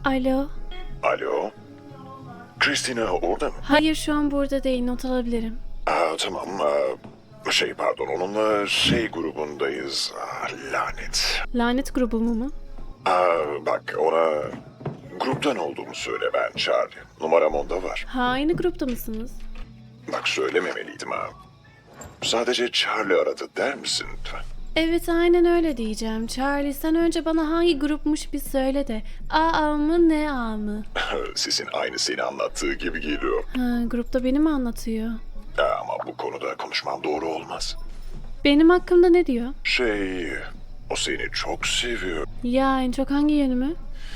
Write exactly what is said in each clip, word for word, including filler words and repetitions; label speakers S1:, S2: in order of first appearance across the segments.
S1: Alo.
S2: Alo? Christina orada mı?
S1: Hayır, şu an burada değil. Not alabilirim.
S2: Aa, tamam. Aa, şey pardon onunla şey grubundayız. Aa, lanet.
S1: Lanet grubu mu mu?
S2: Aa, bak ona gruptan olduğumu söyle ben Charlie. Numaram onda var.
S1: Ha, aynı grupta mısınız?
S2: Bak söylememeliydim ha. Sadece Charlie aradı der misin lütfen?
S1: Evet, aynen öyle diyeceğim. Charlie, sen önce bana hangi grupmuş bir söyle de. A A mı, ne A mı?
S2: Sesin aynı seni anlattığı gibi geliyor.
S1: Ha, grupta beni mi anlatıyor?
S2: Aa, ama bu konuda konuşmam doğru olmaz.
S1: Benim hakkımda ne diyor?
S2: Şey, o seni çok seviyor.
S1: Ya en çok hangi yönümü?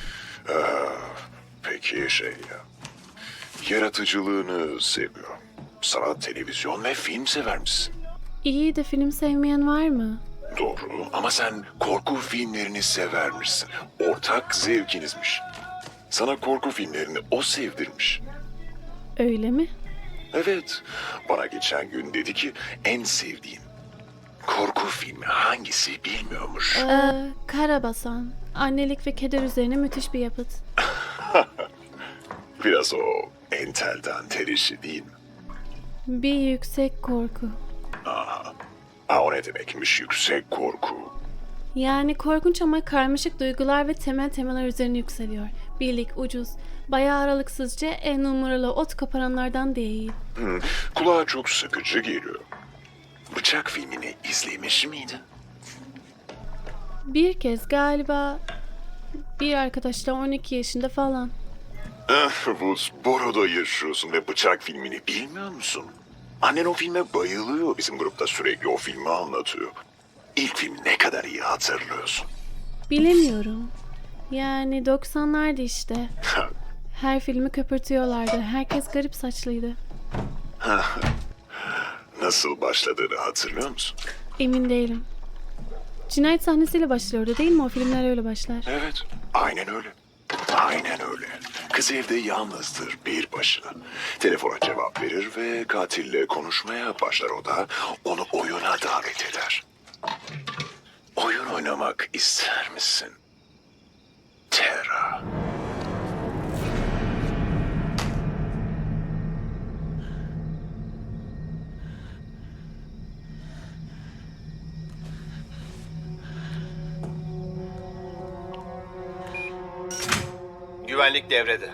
S2: Peki şey ya, yaratıcılığını seviyor. Sanat, televizyon ve film sever misin?
S1: İyi de film sevmeyen var mı?
S2: Doğru ama sen korku filmlerini severmişsin. Ortak zevkinizmiş. Sana korku filmlerini o sevdirmiş.
S1: Öyle mi?
S2: Evet, bana geçen gün dedi ki en sevdiğin korku filmi hangisi bilmiyormuş.
S1: Ee, Karabasan. Annelik ve keder üzerine müthiş bir yapıt.
S2: Biraz o entelden ter işi değil mi?
S1: Bir yüksek korku.
S2: Ha, o ne demekmiş yüksek korku?
S1: Yani korkunç ama karmaşık duygular ve temel temalar üzerine yükseliyor. Birlik, ucuz, bayağı aralıksızca en numaralı ot koparanlardan değil.
S2: Hmm, kulağa çok sıkıcı geliyor. Bıçak filmini izlemiş miydin?
S1: Bir kez galiba bir arkadaşla on iki yaşında falan.
S2: Ah, bu Boro'da yaşıyorsun ve Bıçak filmini bilmiyor musun? Annen o filme bayılıyor. Bizim grupta sürekli o filmi anlatıyor. İlk film ne kadar iyi hatırlıyorsun.
S1: Bilemiyorum. Yani doksanlardı işte. Her filmi köpürtüyorlardı. Herkes garip saçlıydı.
S2: Nasıl başladığını hatırlıyor musun?
S1: Emin değilim. Cinayet sahnesiyle başlıyordu değil mi? O filmler öyle başlar.
S2: Evet, aynen öyle. Aynen öyle. Kız evde yalnızdır bir başına. Telefona cevap verir ve katille konuşmaya başlar o da onu oyuna davet eder. Oyun oynamak ister misin? Terra.
S3: Güvenlik devrede.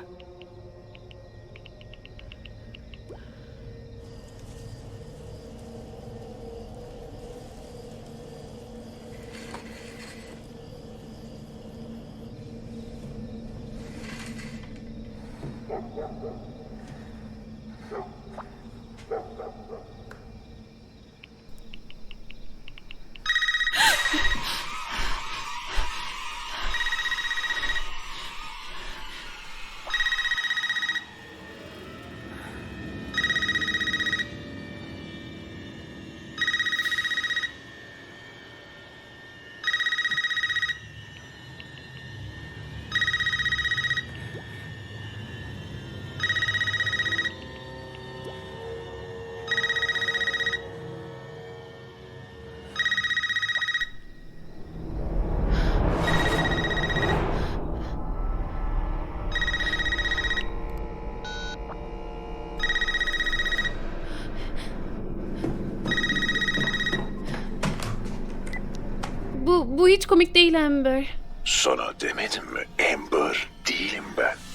S1: Bu, bu hiç komik değil Amber.
S2: Sana demedim mi Amber değilim ben.